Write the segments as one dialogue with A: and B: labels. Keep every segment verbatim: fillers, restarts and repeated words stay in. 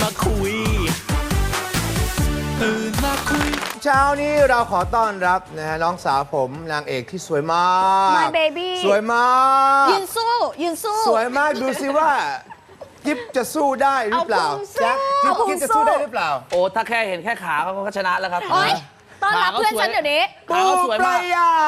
A: มาคุยตื่นมาคุย
B: เช้านี้เราขอต้อนรับนะฮะน้องสาวผมนางเอกที่สวยมาก
C: My baby
B: สวยมาก
C: ยืนสู้ยืนสู้
B: สวยมากดูสิว่าจิ๊บจะสู้ได้หรือเปล่า
C: เอาพุงสู้
B: จ๊ะจิ๊บ
C: เอาพุง
B: จิ๊บจะ
C: สู้
B: สู้ได้หรือเปล่า
D: โอ้ถ้าแค่เห็นแค่ขาเขาก็ชนะแล้วครับ
C: โอ๊ยต้อนรับเพื่อนฉันเดี๋ยวนี้
D: ขาเขาสวย
B: ป
D: มาก
B: รายา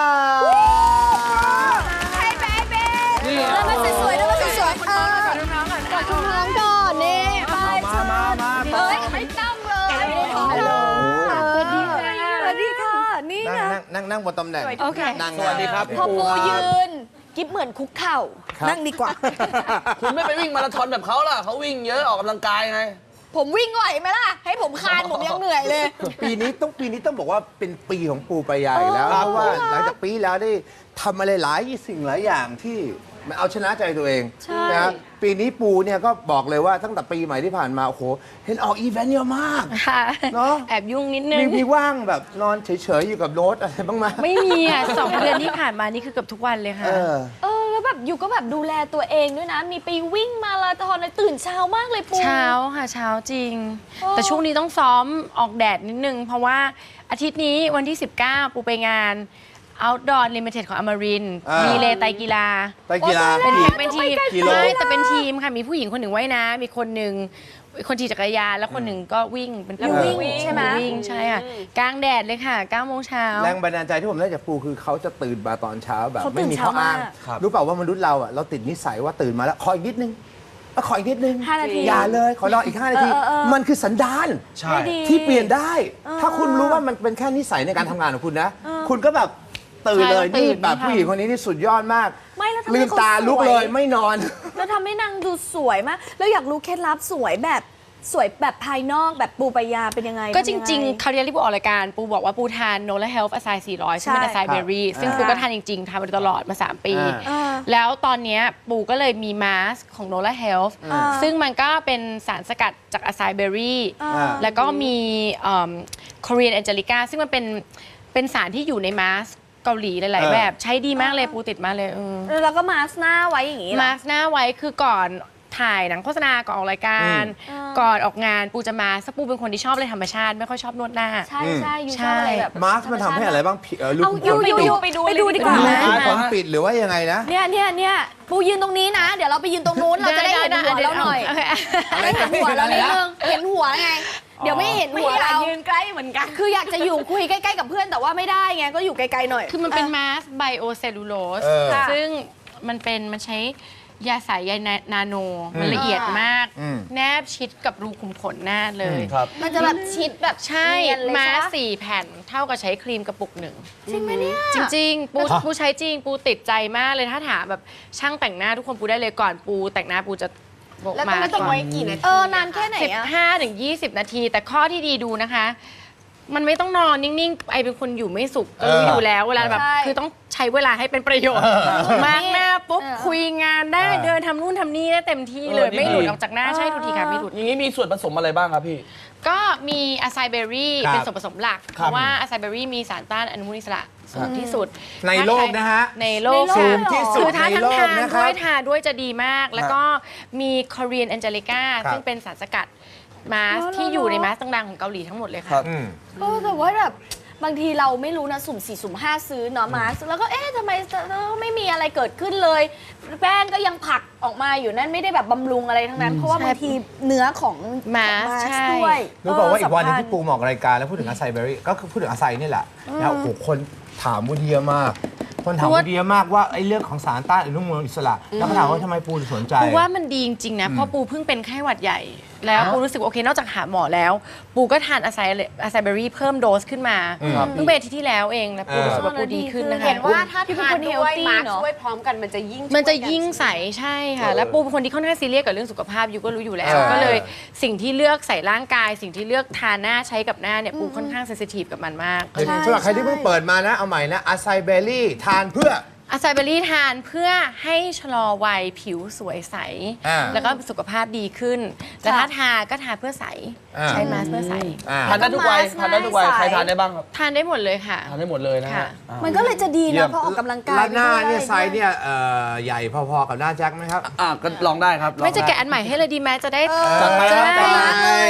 C: Hi baby
D: นี่
C: เดินมาสวยๆเดินมาสวยๆเออกอดคุณน้องก่อนนี่ไป
D: มามามา
C: เฮ้ยไม่ต้องเลยไม่ได้ท้องเลยสวัสดีค่ะสวัสดีค่ะนี่
B: นั่ง
C: ไง
B: นั่งนั่งนั่งบนตำแหน่ง
C: โอเค
B: นั่ง
D: สวัสดีครับ
C: พอปู
D: ครับ
C: ยืนกิ๊บเหมือนคุกเข่านั่งดีกว่า
D: คุณไม่ไปวิ่งมาราธอนแบบเขาล่ะเขาวิ่งเยอะออกกำลังกายไง
C: ผมวิ่งไหวไหมล่ะ ให้ผมคานผมยังเหนื่อยเลย
B: ปีนี้ต้องปีนี้ต้องบอกว่าเป็นปีของปูปรายาอีกแล้ว
C: เออ
B: เพราะว่าหลังจากปีแล้วได้ทำอะไรหลายสิ่งหลายอย่างที่มันเอาชนะใจตัวเองนะครับปีนี้ปูเนี่ยก็บอกเลยว่าตั้งแต่ปีใหม่ที่ผ่านมาโอ้โหเห็นออกอีเวนต์เยอะมาก
E: ค่ะ
B: เนาะ
E: แอบยุ่งนิดนึ
B: มี
E: ง
B: มีว่างแบบนอนเฉยๆอยู่กับโน้ตอะไรบ้างไหม
E: ไม่มีอ่ะสองเดือนที่ผ่านมานี่คือเกือบทุกวันเลยค่ะ
B: เออ
C: เออแล้วแบบอยู่ก็แบบดูแลตัวเองด้วยนะ มีไปวิ่งมาราธอนเลยตื่นเช้ามากเลยปู
E: เช้าค่ะเช้าจริง
C: โอ้
E: แต่ช่วงนี้ต้องซ้อมออกแดดนิดนึง เพราะว่าอาทิตย์นี้วันที่ สิบเก้า ปูไปงาน Outdoor Limited ของอมรินทร์
B: อ่ามี
E: มีเลไตรกีฬา
B: ไตรกีฬา
E: เป็น
B: กี่
E: เป็นทีม
B: กิโล
E: ไม่แต่เป็นทีมค่ะมีผู้หญิงคนหนึ่งว่ายน้ำมีคนหนึ่งคนขี่จักรยานแล้วคนหนึ่งก็วิ่งเป็น
C: แล้ววิ่งใช่ไหม
E: วิ่งใช่ค่ะกลางแดดเลยค่ะเก้าโมงเช้า
B: แรงบันดาลใจที่ผมได้จากปูคือเขาจะตื่นมาตอนเช้าแบบ
C: เขาตื่
B: ไม่
C: น
B: มีข้ออ้าง
C: เช้ามาก
D: ครับ
B: รู้เปล่าว่ามนุษย์เราอ่ะเราติดนิสัยว่าตื่นมาแล้วขออีกนิดนึงเอาขออีกนิดนึง
C: ห้านาที
B: อย่าเลยขอรออีกห้านาที
C: เออเออเออ
B: มันคือสันดาน
D: ใช่
C: ไม่ดี
B: ที่เปลี่ยนได้ ถ้าคุณรู้ว่ามันเป็นแค่นิสัยในการทำงานของคุณนะ คุณก็แบบตื่นเลย
E: ใช่เราตื่
B: นี่
E: น
B: แบบ
E: ไม่ทัน
B: ผู้หญิงคนนี้นี่สุดยอดมาก
C: ไม่แล้วทำไม
B: ลืม
C: เขา
B: ตาลุก
C: สวย
B: เลยไม่นอน
C: แล้วทำให้นางดูสวยมาก แล้วอยากรู้เคล็ดลับสวยแบบสวยแบบภายนอกแบบปูปายาเป็นยังไง
E: ก็จ
C: ทำยั
E: ริง
C: ไ
E: ๆ คราวที่แล้วที่ปูออกรายการ ปูบอกว่าปูทานโนล่าเฮลฟ์อะไซสี่ร้อยซึ่งเป็น
C: ใช่
E: อะไซเบอรี่ ซึ่ง
B: อ่า
E: ปูก็ทานจริง ๆทานมาโดยตลอดมา สาม ปี
B: อ่า
C: อ่า
E: แล้วตอนเนี้ยปูก็เลยมีมาสของโนล่าเฮลฟ์
C: อ่า
E: ซึ่งมันก็เป็นสารสกัดจากอะไซเบอรี่
C: อ่า
B: อ่า
E: แล้วก็มีคอเรียนแองเจลิก้าซึ่งมันเป็นเป็นสารที่อยู่ในมาสเกาหลีหลาย
B: เออ
E: ๆ แบบใช้ดีมากเลยปูติดมากเลยเออ
C: แล้วก็มาสก์หน้าไว้อย่างนี้เหรอ
E: มาสหน้าไว้คือก่อนถ่ายหนังโฆษณาก่อนออกรายการ
C: อืม
E: ก่อนออกงานปูจะมาสปูเป็นคนที่ชอบเลยธรรมชาติไม่ค่อยชอบนวดหน้า
C: ใช่ใช่ยูชอบอะไรแบบ
B: มาร์คมันทำให้อะไรบ้างผิวเออลูก
C: เอายู
B: ขน
C: ยู
B: ปิด
C: ยูไปดูไปดูดีกว่า
B: ลู
C: ไหม
B: กขนปิดหรือว่ายังไงนะ
C: เนี่ยเนี่ยเนี่ยปูยืนตรงนี้นะ เดี๋ยวเราไปยืนตรงนู้นเราจะได้เห็นหัวเราหน่อย
E: โเค
C: ได้เห็นหัวเรานิดนึงเห็นหัวไง เดี๋ยวไม่เห็นหัวเรา
E: ยืนใกล้เหมือนกัน
C: คืออยากจะอยู่คุยใกล้ๆกับเพื่อนแต่ว่าไม่ได้ไงก็อยู่ไกลๆหน่อย
E: คือมันเป็นมาสไบโอเซลลูโลส
B: เออ
E: ซึ่งมันเป็นมันใช้ยาสายใยนาโน มันละเอียดมาก
B: อืม
E: แนบชิดกับรูขุมขนหน้าเลย
D: ครับ
C: มันจะแบบชิดแบบ
E: ใช่
C: เนียนเลย
E: มา
C: ใช่
E: ส
C: ปะ
E: สี่แผ่นเท่ากับใช้ครีมกระปุกหนึ่ง
C: จริงไหมเนี่ย
E: จริง ๆ ปูปูใช้จริง ปูติดใจมากเลยถ้าถามแบบช่างแต่งหน้าทุกคนปูได้เลยก่อนปูแต่งหน้าปูจะบอก
C: แล้ว
E: มา
C: มันต้องไว้กี่นาทีเออนานแค่ไหน
E: สิบ
C: อะ
E: ห้าถึงยี่สิบนาที แต่ข้อที่ดีดูนะคะ มันไม่ต้องนอนนิ่ง ๆ ไอเป็นคนอยู่ไม่สุขก็รู้อยู่แล้วเวลาแบบ
C: ใช่
E: คือต้องใช้เวลาให้เป็นประโยชน์มาร์กหน้าปุ๊บ
C: เออ
E: คุยงานได้
B: เออ
E: เดินทำนู่นทำนี่ได้เต็มที่เลย
D: เออนี่
E: ไม่หลุด
D: ดี
E: ออกจากหน้าใช่ทุกทีค่ะไม่หลุด
D: อย่างนี้มีส่วนผสมอะไรบ้างครับพี่
E: ก็มีอะไซเบอรี่
B: ครับ
E: เป็นส่วนผสมหลัก เพ
D: ครับ
E: ราะว่าอะไซเบอรี่มีสารต้านอนุมูลอิสระสูงที่สุด
B: ในโลกนะฮะ
E: ในโลก
B: สู
E: ค่ะ
B: งที่สุ
E: คื
B: ด
E: อถ้า
B: ใน
E: ทั้ง
B: โลก
E: ทาน
B: นะค
E: ด้
B: รั
E: วย
B: บ
E: ทานด้วยจะดีมาก แล้วก็มีคอเรียนแองเจลิก้า
B: ครับ
E: ซึ่งเป็นสารสกัดมาสที่อยู่ในมาสต่างๆของเกาหลีทั้งหมดเลย
D: ครั
E: ค่ะ
D: บ
B: อืม
C: เออแต่ว่าแบบบางทีเราไม่รู้นะสุ่มสี่สุ่มห้าซื้อเนาะมาสก์แล้วก็เอ๊ะทำไมไม่มีอะไรเกิดขึ้นเลย แป้งก็ยังผักออกมาอยู่นั่นไม่ได้แบบบำรุงอะไรทั้งนั้น เพราะว่าบางทีเนื้อของ
E: มาส
C: ของ
E: ใช่
C: ด้วย
B: รู้บอกว่าอีกวันหนึง
C: เสำคัญ
B: ที่ปูมาออกรายการแล้วพูดถึงอาไซเบอรี่ก็คือพูดถึงอาไซนี่แหละแล้วโอ้โหคนถามวูดเยอะมาก คนถามวูดเยอะมากว่าไอ้เรื่องของสารต้านอนุมูลอิสระแล้วก็ถามว่าทำไมปูถึงสนใจ
E: ปูว่ามันดีจริงๆนะ เพราะปูเพิ่งเป็นไข้หวัดใหญ่ แล้ว
B: อ๋อ
E: ปูรู้สึกว่าโอเคนอกจากหาหมอแล้ว ปูก็ทานอะไซอะไซเบอรี่เพิ่มโดสขึ้นมา
B: ครับ
E: เพิ่งเป็นอาทิตย์ที่แล้วเองแล้วปูรู้สึกว่าปูดีขึ้นนะคะ
C: เห็นว่าถ้า
F: ที่
C: ทาน
F: เป็นคน
C: ด้
F: เฮ
C: ว
F: ล
C: ย
F: ตี้
C: มา
F: เนาะช่วยพร้อมกันมันจะยิ่ง
E: มันจะ
F: ช่วกั
E: ยิ่งใสใช่ค่ะ แล้วปูเป็นคนที่ค่อนข้างซีเรียสกับเรื่องสุขภาพยูก็รู้อยู่แล้ว
B: เออ
E: ก็เลยสิ่งที่เลือกใส่ร่างกาย สิ่งที่เลือกทาหน้าใช้กับหน้าเนี่ยปูค่อนข้างเซนซิทีฟกับมันมาก
B: สำหรับใครที่เพิ่งเปิดมานะ เอาใหม่นะอาไซเบอรี่ทานเพื่อ
E: อะไซเบอรี่ทานเพื่อให้ชะลอวัยผิวสวยใส
B: อ่า
E: แล้วก็สุขภาพดีขึ้น แต่ถ้าทาก็ทาเพื่อใส
B: อ่า
E: ใช้มาสก์เพื่อใส
B: อ่า
D: ทานได้ทุกวัย
C: มาสก์
D: ทานได้ทุกวัย
C: ใส
D: ใครทานได้บ้างครับ
E: ทานได้หมดเลยค่ะ
D: ทานได้หมดเลยนะ
E: ค่ะ
D: ฮะอ่า
C: มันก็เลยจะดี
B: เยี่ย
C: นะ
B: ม
C: เพราะออกกำลังกาย
B: แล้วหน้า
C: ไปด้ว
B: เนี่ยไซส์เนี่ยเอ่อใหญ่พอๆกับหน้าแจ็คไหมครับ
D: อ่ะก็ลองได้ครับลอง
E: ไม่จะ
D: ด้
E: แกะอันใหม่ให้เลยดีไหมจะได้
D: จัดไป
E: จะ
D: ครับ
E: ได้
D: จัดไป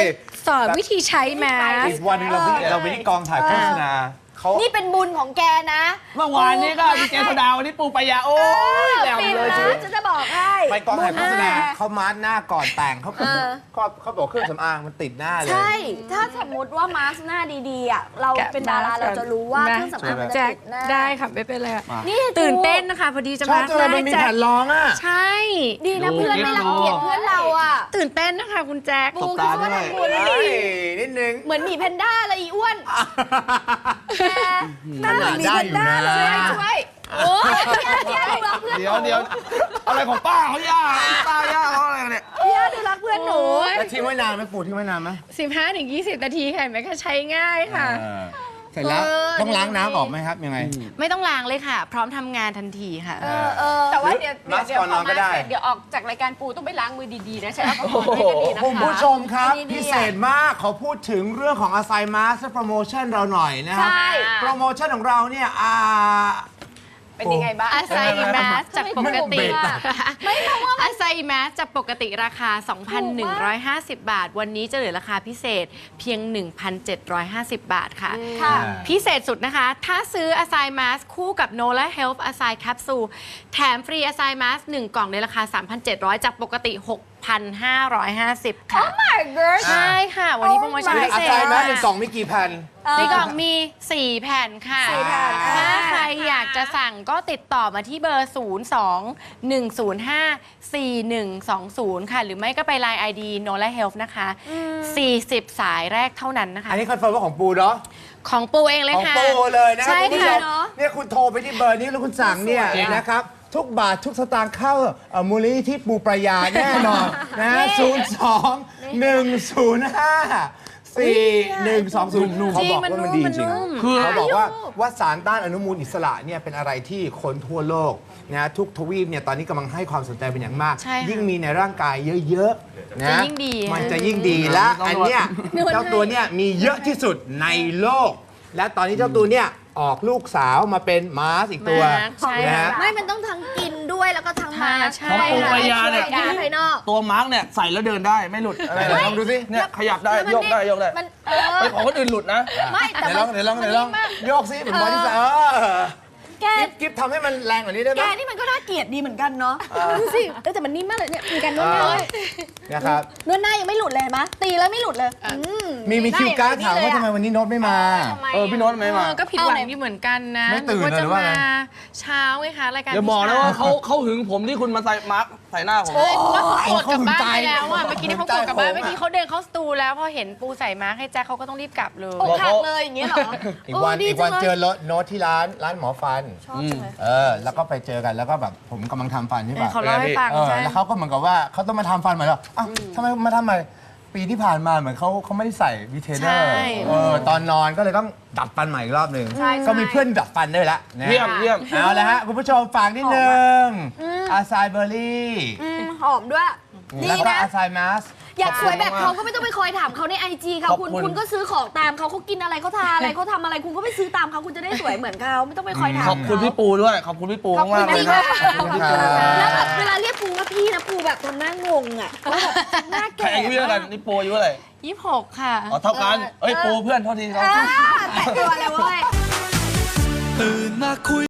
E: สอนวิธีใช้แมส
B: อีกวันหนึงเราไปเราไปที่กองถ่ายโฆษณาเขา
C: นี่เป็นบุญของแกนะ
D: เมื่อวานนี้ก็ดีเจสดาวันนี้ปูปายาโอ้ยแหลม
C: ฟิน
D: เลยชีวิต
C: นะจะจะบอกให้
B: ไปกองถ่ายโฆษณา
C: บุญ
B: เขามาร์กหน้าก่อนแต่งเขา
C: เออ
B: เขาเขาบอกเครื่องสำอางมันติดหน้าเลย
C: ใช่ ถ้าสมมติว่ามาสก์หน้าดีๆอ่ะเรา
E: แกะ
C: เป็นดารา
E: มาสก์
C: เราจะรู้ว่า
E: นะ
C: เครื่องสำอางมัน
E: แจ็
C: จะ
E: ค
C: ติดหน้า
E: ได้ค่ะไม่เป็นไรอะ
C: นี่
E: ตื่นเต้นนะคะพอดีจะ
B: ชอบ
E: มา
B: จังเลยมันมี
E: แจ็
B: แผ่
E: คน
B: รองอ่ะ
E: ใช่
C: ดีนะเพื่อนไม่รังเกียจเพื่อนเราอ่ะ
E: ตื่นเต้นนะคะคุณแจ็ค
C: ปูคิดว่าทำบุญ
B: เฮ้ยนิดนึง
C: เหมือนหมีแพนด้าเลยอีอ้วนแกหน้าเหมือนหมี
B: ได้
C: แพน
B: อยู่
C: ด้า
B: นะ
C: เลยช่วยโอ้ยพี่อาร์พี่อาร์ดูรักเพื่อนห
D: เดี๋ยว
C: นู
D: เดี๋ยวอะไรของป้าเขาย่าป้าย่าเขาอะไรเนี่ย
C: พี่อาร์ดูรักเพื่อนหนู
B: แล้วทิ้งไว้นานไหมปูทิ้งไว้นานไหม
E: สิบห้าถึงยี่สิบนาทีค่ะเห็นไหมคะใช้ง่ายค่ะ
B: เออเสร็จแล้วต้องล้างน้ำออกไหมครับยังไง
E: ไม่ต้องล้างเลยค่ะ พร้อมทำงานทันทีค่ะ
C: เออเออ
A: แต่ว่าเดี๋ยว
B: มา
A: เดี๋ยว
B: สก่อนนอนก็ได้
A: พมาเสร็จเดี๋ยวออกจากรายการปูต้องไปล้างมือดีๆนะใช้แอลกอฮอล์ให้ดีๆนะคะ
B: คุณผู้ชมครับ
C: อันนี้ดีอะ
B: พิเศษมากขอพูดถึงเรื่องของ Asai Mask และโปรโมชั่นเราหน่อยนะครั
C: ใช่
B: โปรโมชั่นของเราเนี่ยอ่า
A: เป็นยังไงบ้าง
E: อาไซแมสจากปกติ
C: ไม่เพราะว่า
E: อาไซแมสจากปกติราคา สองพันหนึ่งร้อยห้าสิบ บาท วันนี้จะเหลือราคาพิเศษเพียง หนึ่งพันเจ็ดร้อยห้าสิบ บาทค่ะ
C: ค่ะ
E: พิเศษสุดนะคะ ถ้าซื้อ a s i Mask คู่กับ Nola Health a s i Capsule แถมฟรี a s i Mask หนึ่งกล่องในราคา สามพันเจ็ดร้อย จากปกติ หกพันห้าร้อยห้าสิบ ค่ะ
C: my god
E: ใช่ค่ะ วันนี้โปรโมชั่น
C: Oh my
E: พิ
B: อา
E: เศ
B: ไซ
E: ษ
B: แมสหนึ่งกล่องมีกี่แผ่น
E: ในกล่องมี สี่ แผ่นค่ะ
C: สี่แผ่น
E: ถ้า
C: อ่า
E: ใครอยากจะสั่งก็ติดต่อมาที่เบอร์ ศูนย์ สอง หนึ่ง ศูนย์ ห้า สี่ หนึ่ง สอง ศูนย์ ค่ะ หรือไม่ก็ไป ไลน์ ไอ ดี Nola Health นะคะ สี่สิบ สายแรกเท่านั้นนะคะ
B: อันนี้คอนเฟิร์มว่าของปูเนาะ
E: ของปูเองเลย
B: ของ
E: ค่ะ
B: ปูเลยนะครั
E: ใช่
B: คุณผู้ช
E: ค่ะ
B: มเนี่ยคุณโทรไปที่เบอร์นี้แล้วคุณสั่งเนี่ยนะครับ ทุกบาททุกสตางค์เข้าเอ่อมูลนิธิปูประยาแน่นอนนะศูนย์สองหนึ่งศูนย์ห้าสี่หนึ่งสองศูนย์เขาบอกว่ามันดีจริง
D: คือ
B: เขาบอกว่าว่าสารต้านอนุมูลอิสระเนี่ยเป็นอะไรที่คนทั่วโลกนะทุกทวีปเนี่ยตอนนี้กำลังให้ความสนใจเป็นอย่างมาก
E: ใช่ค่ะ
B: ยิ่งมีในร่างกายเยอะๆนะ
E: จะยิ่งดี
B: มันจะยิ่งดีและอันเนี้ยเจ้าตัวเนี่ยมีเยอะที่สุดในโลก และตอนนี้เจ้าตัวเนี่ยออกลูกสาวมาเป็นมาสอีกตัว
E: มาใช่
B: นะ
E: ค่ะ
B: ฮะ
C: ไม่มันต้องทั้งกินด้วยแล้วก็ทั้งมา
E: ใช่
D: ของปูปายาเนี่ย
C: ช่วภายนอก
D: ตัวมาร์กเนี่ยใส่แล้วเดินได้ไม่หลุดอะไร
B: ไหนลองดูสิ
D: เนี่ยขยับได้
C: แล้วมัน
D: โยกได้โยกได้
C: มันเออ
D: ไปของคนอื่นหลุดนะ
C: ไม่แต่
B: เดี๋ยวล
C: มั
B: อน งเดี๋ยวลองเดี๋ยวลอง
C: มันนิ่มมาก
B: โยกสิเหมือนบอดี้สเออ
C: แก
B: กิฟกิฟทำให้มันแรงกว่านี้ได้ไห
C: แก
B: ม
C: นี่มันก็น่าเกลียดดีเหมือนกันเนาะดูสิเออแต่มันนิ่มมากเลยเนี่ยมีการนวดหน้าด้วย
B: นะครับ
C: นวดหน้ายังไม่หลุดเลยเห็นไหมตีแล้วไม่หลุดเลยม
B: มีมีคิวการ์ดถามว่าทำไม
C: หน้
B: วันนี้โน้ตไม่มา
D: เออพี่โน้ตไม่มา
E: เออก็ผิดหวังอยู่เหมือนกันนะ
B: ไม่ตื่น
E: ว่า
B: เลยห
E: จะ
B: รือว่า
E: มา
B: ไง
E: เช้าไงคะรายการ
D: อย่าบอกนะ
E: พี่
D: ว่า
E: เช้
D: เขาเขาหึงผมที่คุณมาใส่มาร์กใส่หน้าผม
E: ก็เขาโกรธกลับบ้าน
B: เขาหึงใจ
E: ไปแล้วอ่ะเมื่อกี้นี่เขาโกรธกลับบ้าน
B: หึงใจ
E: เมื่อกี้เขาเดินเข้าสตูแล้วพอเห็นปูใส่มาร์คให้แจ็คเขาก็ต้องรีบกลับเลย
C: อกหักเลยอย่างเงี้ยเหรอ
B: อีกวัน
C: ดี
B: อีกวัน
C: จังลย
B: เจอรถโน้ตที่ร้านร้านหมอฟัน
C: ชอบจังเลย
B: เออ แล้วก็ไปเจอกันแล้วก็แบบผมกำลังทำฟันใช่
E: เออ
B: ปะ
E: เขาเล่าให้ฟัง
B: เออ
E: ใช่
B: แล้วเขาก็เหมือนกับว่าเขาต้องมาทำฟันใหม่แล้วอ้าวทำไมมาทำใหม่ปีที่ผ่านมาเหมือนเขาเขาไม่ได้ใส่วีเทเนอร์เออตอนนอนก็เลยต้องดัดฟันใหม่อีกรอบหนึ่งก็มีเพื่อนดัดฟันด้วยละนะ
D: เยี่ยมเยี่ยม
B: เอาละฮะคุณผู้ชมฝากนิดนึงอาซายเบอร์รี่
C: อืมหอมด้วยดี
B: แล้วก็
C: นะ
B: อาซายมาส
C: อยากสวยแบบเขาก็ไม่ต้องไปคอยถามเขาในไอจีเขา
D: ขอบ
C: คุณ
D: คุณ
C: คุณก็ซื้อของตามเขาเขากินอะไรเขาทานอะไรเขาทำอะไรคุณก็ไปซื้อตามเขาคุณจะได้สวยเหมือนเขาไม่ต้องไปคอยถาม
D: ขอบคุณพี่ปูด้วย ขอบคุณพี่ปู
C: ขอบคุณ
D: มากๆเลย
C: พี่
D: ค
C: มา
D: รับ
C: กขอบคุณค่ะแล้วแบบเวลาเรียกปูว่าพี่นะปูแบบทำหน้างงอ่ะว่าแบบหน้า
D: ใคร
C: แก่
D: อายุเท่ากันนี่ปูอายุอะไร
E: ยี่สิบหกค่ะ
D: อ๋อเท่ากันเอ้ยปูเพื่อนเท่าทีครับ
C: อ่าแต่ตัวเลยเว้ย
F: ตื่นมาคุย